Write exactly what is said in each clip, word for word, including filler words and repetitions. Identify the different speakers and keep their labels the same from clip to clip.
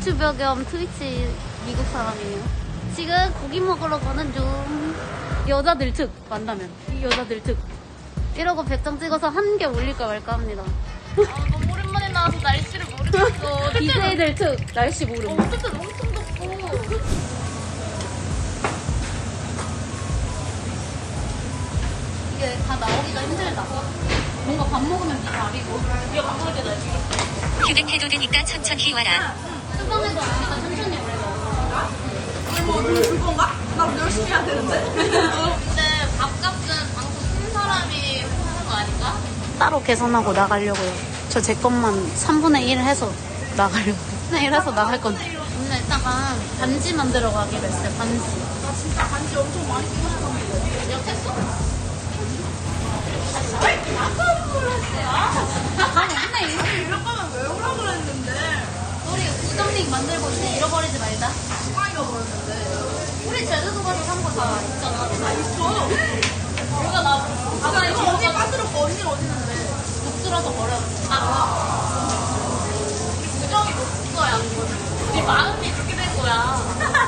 Speaker 1: 유튜버 겸 트위치 미국 사람이에요. 지금 고기 먹으러 가는 중. 여자들 특 만나면 이 여자들 특 이러고 백장 찍어서 한 개 올릴까 말까 합니다.
Speaker 2: 아, 너무 오랜만에 나와서 날씨를 모르겠어.
Speaker 1: 디제이들 특 날씨 모름.
Speaker 2: 어, 어쨌든 엄청 덥고.
Speaker 1: 이게 다 나오기가 힘들다. 뭔가 밥 먹으면 네 밥이고.
Speaker 2: 이거 밥 먹을 때 날씨.
Speaker 3: 휴대해도 되니까 천천히 와라.
Speaker 1: 수방에도 우리가 천천히 올려.
Speaker 2: 뭐 그건가? 나 열심히 해야 되는데. 근데 밥값은 방송 쓴 사람이 하는 거 아닌가?
Speaker 1: 따로 계산하고 나가려고요. 저 제 것만 삼분의 일 해서 나가려고요. 삼분의 일 해서 나갈 건데. 오늘 이따가 반지 만들어 가기로 했어요. 반지.
Speaker 2: 나 진짜 반지 엄청 많이 쓰고 싶었는데. 약했어? 왜 이렇게 약한 걸 했어요?
Speaker 1: 아니 근데 이거
Speaker 2: 이럴 거면 왜 오라 그랬는데.
Speaker 1: 우리 우정링 만들고 있는데 잃어버리지 말자.
Speaker 2: 누가 잃어버렸는데.
Speaker 1: 우리 제주도 가서 산 거 다 있잖아.
Speaker 2: 다 있어. 누가 나. 아, 나 이거 언니 빠뜨렸고 언니 어디 있는데.
Speaker 1: 독들어서 버려.
Speaker 2: 아, 우리 부정이 못 거야, 그거는. 우리 마음이 그렇게 된 거야.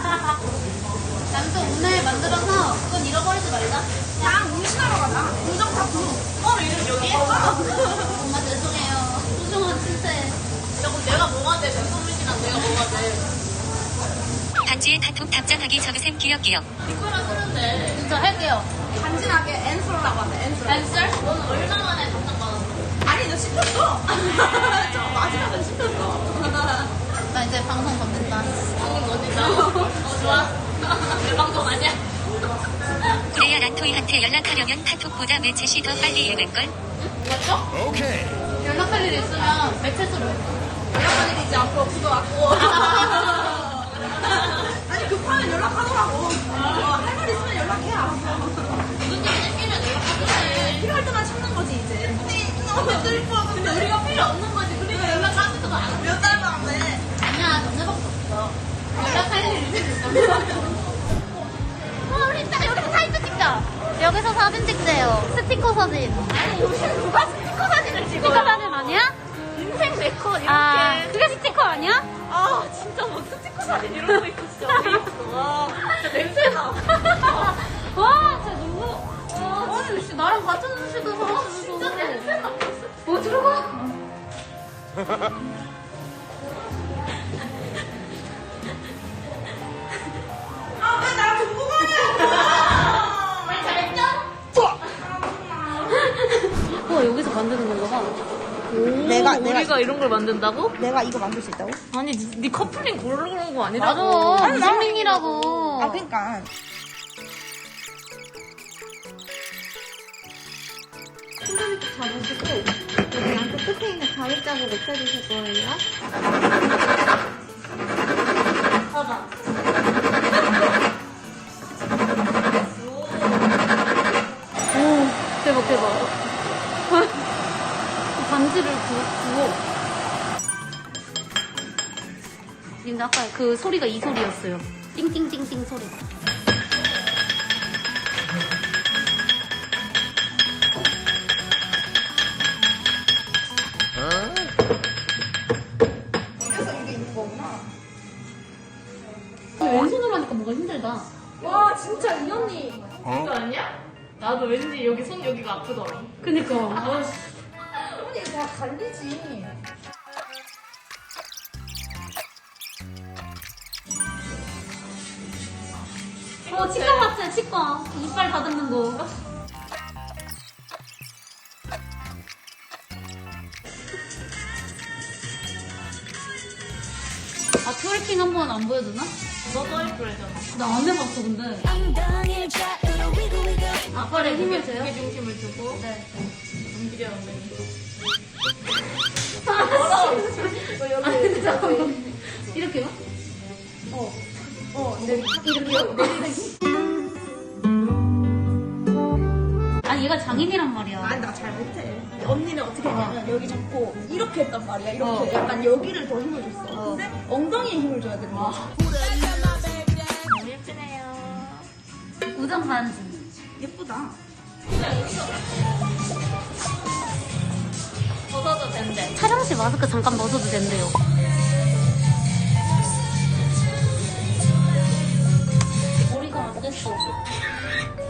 Speaker 1: 남도 오늘 만들어서 그건 잃어버리지 말자.
Speaker 2: 그냥 문신하러 가자. 부정 타투. 어, 이름 여기?
Speaker 1: 엄마 죄송해요. 소중한 친구에.
Speaker 2: 야, 그럼 내가 뭐가 돼? 백성문신랑 내가 뭐가 돼?
Speaker 3: 반지에 카톡 답장하기 적으셈 기억기억.
Speaker 2: 이거랑 쓰는데.
Speaker 1: 진짜 할게요.
Speaker 2: 간지나게 앤솔라고 하네, 앤솔. 앤솔? 너는 얼마 만에 답장 받았어? 아니, 너 씹혔어. 저 마지막에 씹혔어.
Speaker 1: 나 이제 방송 건넨다.
Speaker 2: 방금 건진다. 어, 좋아. 내 방송 아니야?
Speaker 3: 그래야 란토이한테 연락하려면 카톡보다 매챗이 더 빨리 읽을걸?
Speaker 2: 맞죠?
Speaker 1: 연락할 일 있으면 매체스로 해.
Speaker 2: 연락할 일이 이제 앞으로 없을 것 같고. 아니, 급하면 연락하더라고. 어, 할 말 있으면 연락해, 알았어. 무슨 일이 생기면 연락하던데. 필요할 때만 찾는 거지, 이제. 근데, 너무 뜰 거. 근데 우리가 필요 없는 거지. 그러니까 연락하지도 안 몇 달도 안 돼.
Speaker 1: 아니야, 너네밖에 없어. 연락할 일 있으면. 와, 우리 딱 여기서 사진 찍자. 여기서 사진 찍재요. 스티커 사진.
Speaker 2: 아니, 요즘 누가 스티커 사진을 찍어?
Speaker 1: 스티커 사진 아니야?
Speaker 2: 인생 네컷 이렇게.
Speaker 1: 아, 그게 스티커 아니야?
Speaker 2: 아, 진짜 막 스티커 사진 이러고 있고 진짜 어이없어. 와, 진짜 냄새나.
Speaker 1: 와, 진짜 너무. 와, 아니, 씨, 나랑 같은 음식을 사왔어.
Speaker 2: 진짜 냄새나.
Speaker 1: 뭐 들어가?
Speaker 2: 아, 왜 나랑 두고 가냐?
Speaker 1: 말 잘했죠? 와, 여기서 만드는 건가 봐.
Speaker 2: 내가,
Speaker 4: 우리가 이런 걸 만든다고?
Speaker 2: 내가 이거 만들 수 있다고?
Speaker 4: 아니, 니, 니 커플링 고르는 거
Speaker 1: 맞아.
Speaker 4: 아니라고.
Speaker 1: 이정민이라고.
Speaker 2: 아, 그니까.
Speaker 5: 잡으시고 여기 양쪽 끝에 있는 가위 자국 없애주실 거예요.
Speaker 1: 봐봐. 오, 대박, 대박. 반지를 구, 구워. 근데 아까 그 소리가 이 소리였어요. 띵띵띵띵 소리가.
Speaker 2: 그래서 이게 있는 거구나.
Speaker 1: 근데 왼손으로 하니까 뭔가 힘들다.
Speaker 2: 와, 진짜 이 언니.
Speaker 4: 이거 아니야? 나도 왠지 여기 손 여기가 아프더라.
Speaker 1: 그니까.
Speaker 2: 언니 다 갈리지.
Speaker 1: 어, 치과 같아, 치과. 이빨 다듬는 거. 아, 트월킹 한 번 안 보여주나?
Speaker 4: 너도 할 거래잖아.
Speaker 1: 나 안 해봤어, 근데. 아빠를 힘을 줘요?
Speaker 4: 무게 중심을 주고
Speaker 1: 네.
Speaker 4: 움직여 엉덩이.
Speaker 1: 아, 근데 잠깐만. 이렇게요? 어. 어, 네. 이렇게요? 아니, 얘가 장인이란 말이야.
Speaker 2: 아니, 나 잘 못해. 언니는 어떻게 했냐면 여기 잡고 이렇게 했단 말이야. 이렇게
Speaker 1: 어.
Speaker 2: 약간 여기를 더 힘을 줬어.
Speaker 1: 어.
Speaker 2: 근데 엉덩이에 힘을 줘야 되는 거지.
Speaker 4: 너무 예쁘네요.
Speaker 1: 우정 반지.
Speaker 2: 예쁘다.
Speaker 4: 벗어도 된대.
Speaker 1: 촬영실 마스크 잠깐 벗어도 된대요.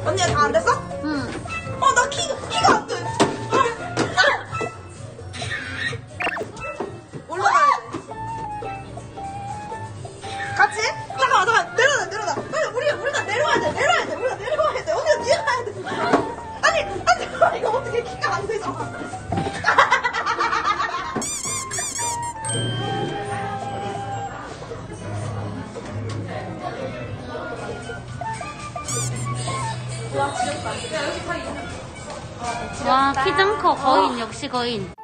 Speaker 2: 언니가 다 안 됐어?
Speaker 1: 응.
Speaker 2: 어, 나 키가, 키가 안 돼. 올라가야 돼. 같이? 잠깐만, 잠깐만. 내려놔, 내려놔. 빨리, 우리, 우리가 내려와야 돼. 내려와야 돼. 우리가 내려와야 돼. 언니가 뒤에 가야 돼. 아니, 아니, 잠깐만. 이거 어떻게 키가 안 되잖아.
Speaker 1: 와, 키 좀 커. 거인, 역시 거인.